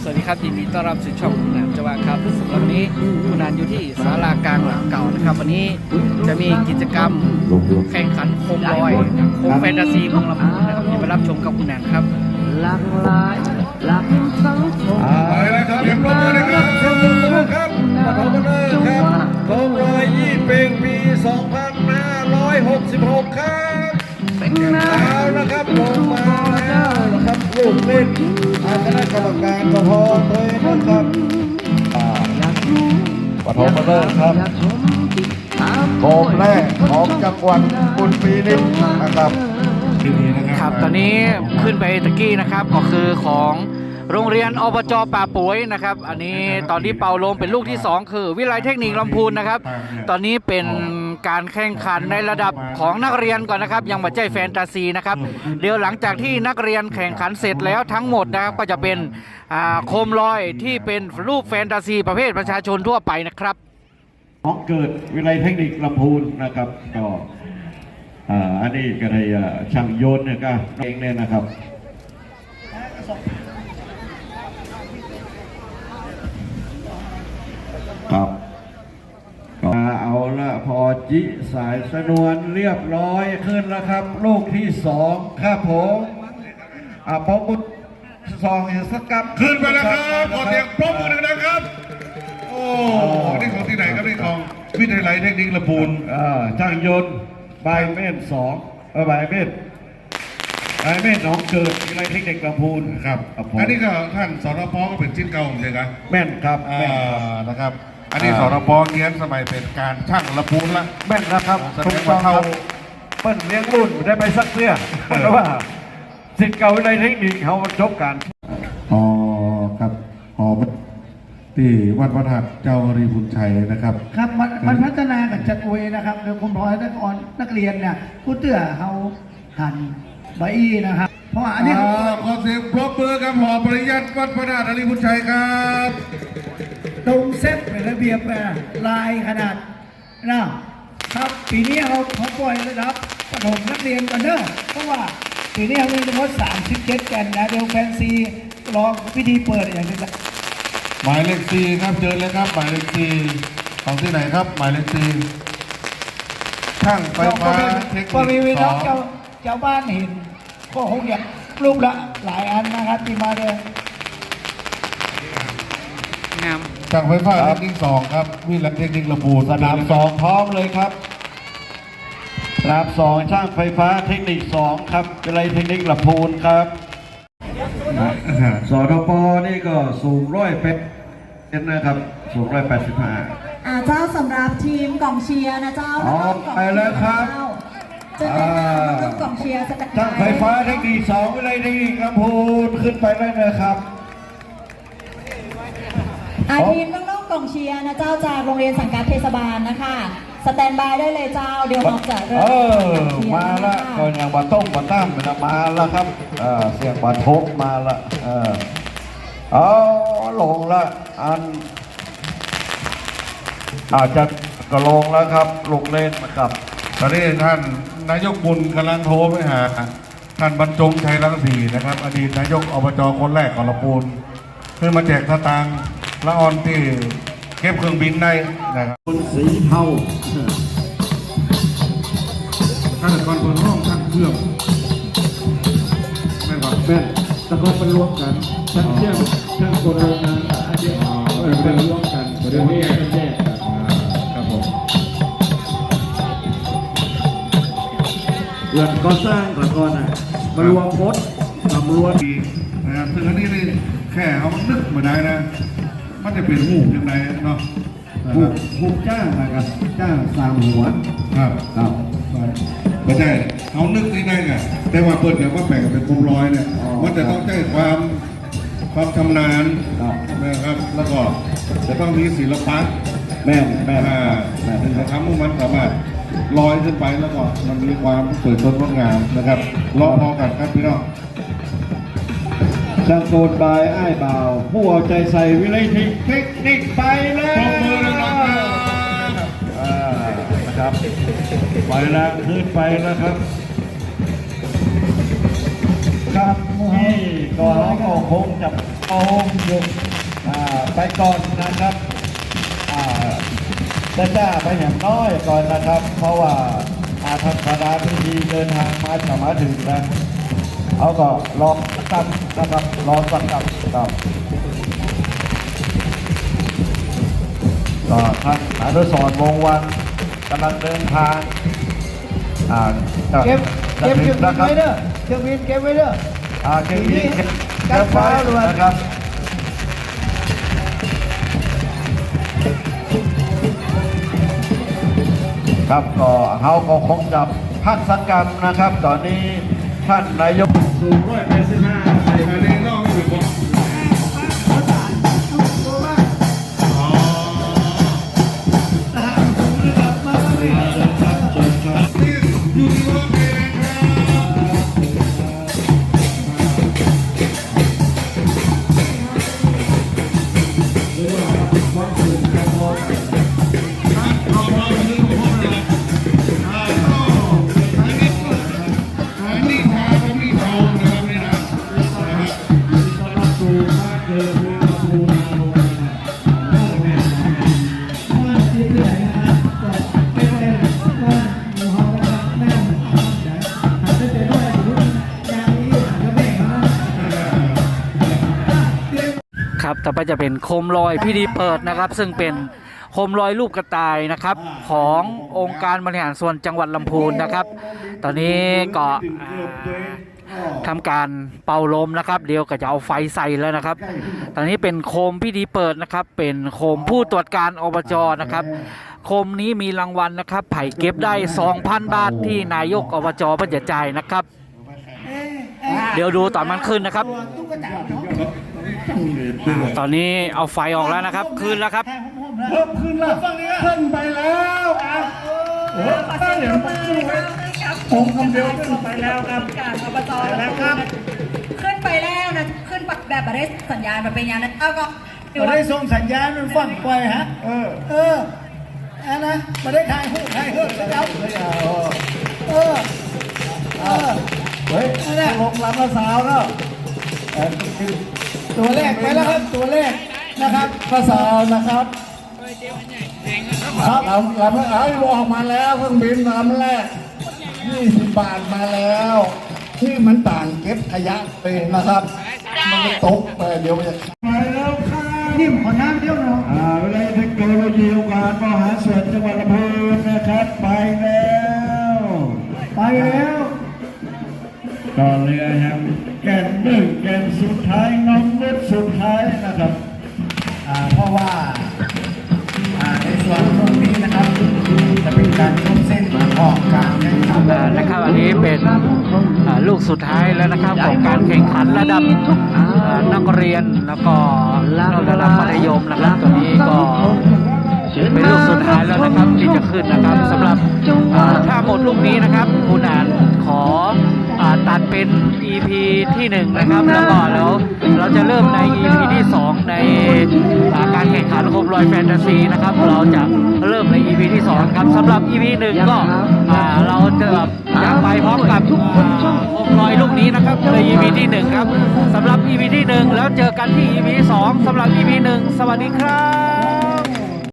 สวัสดีครับยินดีต้อนรับสู่ช่องคุณนันจวาครับสำหรับวันนี้คุณนันอยู่ที่ศาลากลางหลังเก่านะครับวันนี้จะมีกิจกรรมแข่งขันโคมลอยโคมแฟนตาซีเมืองลำพูนนะครับเดี๋ยวไปรับชมกับคุณนันครับหลากหลายหลากสังคมไปแล้วครับเรียบร้อยนะครับชมครับปฐมฤกษ์ครับโคมลอยยี่เป็งปี 2566 ครับเอานะครับลงมาแล้วนะครับลูกเล่นคณะกรรมการปฐมเลยนะครับปฐมฤกษ์ครับโคมแรกของจังหวัดอุบลปีนี้นะครับครับตอนนี้ขึ้นไปตะกี้นะครับก็คือของโรงเรียนอบจป่าปุ๋ยนะครับอันนี้ตอนที่เป่าลมเป็นลูกที่2คือวิไลเทคนิคลำพูนนะครับตอนนี้เป็นการแข่งขันในระดับของนักเรียนก่อนนะครับยังไม่ใช่แฟนตาซีนะครับเดี๋ยวหลังจากที่นักเรียนแข่งขันเสร็จแล้วทั้งหมดนะครับก็จะเป็นโคมลอยที่เป็นรูปแฟนตาซีประเภทประชาชนทั่วไปนะครับของเกิดวิไลเทคนิคลำพูนนะครับก็อันนี้ก็ได้ช่างโยนเนี่ยก็เองเนี่ยนะครับครับก็เอาละพอจิสายสนวนเรียบร้อยขึ้นแล้วครับลูกที่2ครับผมพอบุตรซองสกัดขึ้นไปแล้วครับขอเสียงปรบมือดังๆครับโอ้นี่ของที่ไหนครับนี่ของวิทยาลัยเทคนิคลำพูนช่างยนต์ใบเม่น2ใบเม่นน้องเกิดวิทยาลัยเทคนิคลำพูนครับอันนี้ก็ท่านสรพก็เป็นชิ้นเก่าใช่ไหมแม่นครับนะครับอันนี้สรพเรียนสมัยเป็นการช่างลำพูนละแม่นนะครับทุกต้องเปิ้ลเลี้ยงรุ่นได้ไปสักเสื้อเพราะว่าสิทธิ์เก่าวิทยาลัยเทคนิคเขาจบกันครับที่วัดพระธาตุเจ้ารีพุนชัยนะครับครับมันพัฒนากับจักรเวนะครับโดยคุณพลอยนักเรียนเนี่ยผู้เตื้อเขาหันใบอี้นะครับเพราะว่าอันนี้ขอเสียงปรบมือกับหอปริยัติวัดพระธาตุรีพุนชัยครับตรงเซตเป็นระเบียบลายขนาดนะครับปีนี้เขาปล่อยระดับประถมนักเรียนกันเนอะเพราะว่าปีนี้เขามีทั้งหมด37กันนะเดี๋ยวแฟนซีรอพิธีเปิดอย่างนี้หมายเลข4ครับเจอเลยครับหมายเลข4ของที่ไหนครับหมายเลข4ช่างไฟฟ้าเทคนิคก็มีน้องเจ้าบ้านเห็นก็คงอยากรูปละหลายอันนะครับที่มาเลยงามช่างไฟฟ้าเทคนิค2ครับวิไลเทคนิคลำพูนสนาม2พร้อมเลยครับสนาม2ช่างไฟฟ้าเทคนิค2ครับวิไลเทคนิคลำพูนครับสทปนี่ก็สูง180นะครับสูง185 เจ้าสำหรับทีมกองเชียร์นะเจ้าไปแล้วครับจะเป็นกองเชียร์สกัดช่างไฟฟ้าเทคนิค2วิไลเทคนิคลำพูนขึ้นไปได้เลยครับทีมน้องๆกองเชียร์นะเจ้าจากโรงเรียนสังกัดเทศบาลนะคะสแตนบายได้เลยเจ้าเดี๋ยวเราจะเริ่มมาละก่อนอย่างบาต้มบาตั้มมาแล้วครับเสียงบาทบมาละลงละอาจจะก็ลงแล้วครับลงเล่นนะครับตอนนี้ท่านนายกบุญกำลังโทรไปหาท่านบรรจงชัยรังสีนะครับอดีตนายกอบจคนแรกของลำพูนเพื่อมาแจกสตางค์ละออนที่เก็บเครื่องบินได้นะครับสีเทาท่านก่อนเปิดห้องช่างเครื่องแม่นแม่นตะกอนเป็นรวมกันช่างเชื่อมช่างกลโรงงานเป็นรวมกันเดี๋ยวนี้แยกกันครับผมเรื่องก่อสร้างก่อนมารวมพจน์มารวมดีนะครับซึ่งอันนี้นี่แค่เขานึกมาได้นะมันจะเป็นหูยังไงเนาะหูจ้างนะครับจ้าง3 หัวครับไม่ใช่เขานึกได้ไงแต่ว่าเปิดเดี๋ยวว่าแบ่งเป็นกลมร้อยเนี่ยมันจะต้องใช้ความชำนาญนะครับแล้วก็จะต้องมีศิลปะแม่ถึงจะทำให้มันสามารถลอยขึ้นไปแล้วก็มันมีความสวยสดงดงามนะครับรอพอกันครับพี่น้องช่างโกนบายอ้ายบ่าวผู้เอาใจใส่วิไลเทคนิคไปแล้วนะครับไปแล้วขึ้นไปแล้วครับครับนี่ก็เราก็คงจะเอาอยู่ไปก่อนนะครับจ้าไปอย่างน้อยก่อนนะครับ เพราะว่าทางคณะพิธีเดินทางมาถึงนะเขาก็รอสักกับนะครับรอสักกับครับก็ท่านอนุสรณ์วงศ์วันกำลังเดินทางเก็บจะเคถึรื่องงบินะนครัไว้บเด้อเครื่องบินเก็บไว้เด้อเครื่องบินเก็บไว้นะครับครับก็เขาก็คงจะพักสักกรรมนะครับ ตอนนี้ท่านนายกสูง185อันนี้นอกไม่ถึงครับต่อไปจะเป็นโคมลอยพิธีเปิดนะครับ ซึ่งเป็นโคมลอยรูปกระต่ายนะครับขององค์การบริหารส่วนจังหวัดลำพูนนะครับ ตอนนี้ก็ทำการเป่าลมนะครับ เดี๋ยวก็จะเอาไฟใส่แล้วนะครับ ตอนนี้เป็นโคมพิธีเปิดนะครับ เป็นโคมผู้ตรวจการอบจนะครับโคมนี้มีรางวัลนะครับไผ่เก็บได้ 2,000 บาทที่นายกอบจเพิ่นจะจ่ายนะครับ เดี๋ยวดูตอนมันขึ้นนะครับตอนนี้เอาไฟออกแล้วนะครับขึ้นแล้วครับเพิ่มขึ้นแล้วขึ้นไปแล้วครับเดี๋ยวผมคำเดียวขึ้นไปแล้วครับการอบจแล้วครับขึ้นไปแล้วนะขึ้นแบบไม่ได้สัญญาณแบบเป็นอย่างนั้นเอาก็ได้ส่งสัญญาณมันฟังไปฮะอันนะมาได้ถ่ายหูถ่ายเฮือกแล้วเฮ้ยลงลำละสาวแล้วตัวแรกไปแล้วครับตัวแรกนะครับละสาวนะครับครับลำออกมาแล้วเครื่องบินลำแรก20 บาทมาแล้ว ที่มันต่างเก็บขยะไปนะครับมันตกไปเดี๋ยวมันจะไปแล้วค่ะนี่ขอน้ำเดียวเนาะวิทยาเทคโนโลยีองค์การมหาส่วนจังหวัดลำพูนนะครับไปแล้วต่อเรือครับแกนหนึ่งแกนสุดท้ายน้องนุชสุดท้ายนะครับเพราะว่าในส่วนตรงนี้นะครับจะเป็นการยกเส้นออกกลางนะครับอันนี้เป็นลูกสุดท้ายแล้วนะครับของการแข่งขันระดับนักเรียนแล้วก็ระดับมัธยมนะครับตัวนี้ก็เป็นลูกสุดท้ายแล้วนะครับที่จะขึ้นนะครับสำหรับถ้าหมดลูกนี้นะครับคุณอ่านขอตัดเป็น EP ที่1นะครับแล้วก็แล้วเราจะเริ่มใน EP ที่2ในการแข่งขันโคมลอยแฟนตาซีนะครับเราจะเริ่มใน EP ที่2ครับสำหรับ EP 1ก็เราจะไปพร้อมกับโคมลอยลูกนี้นะครับใน EP ที่1ครับสำหรับ EP ที่1แล้วเจอกันที่ EP ที่2สำหรับ EP 1สวัสดีครับ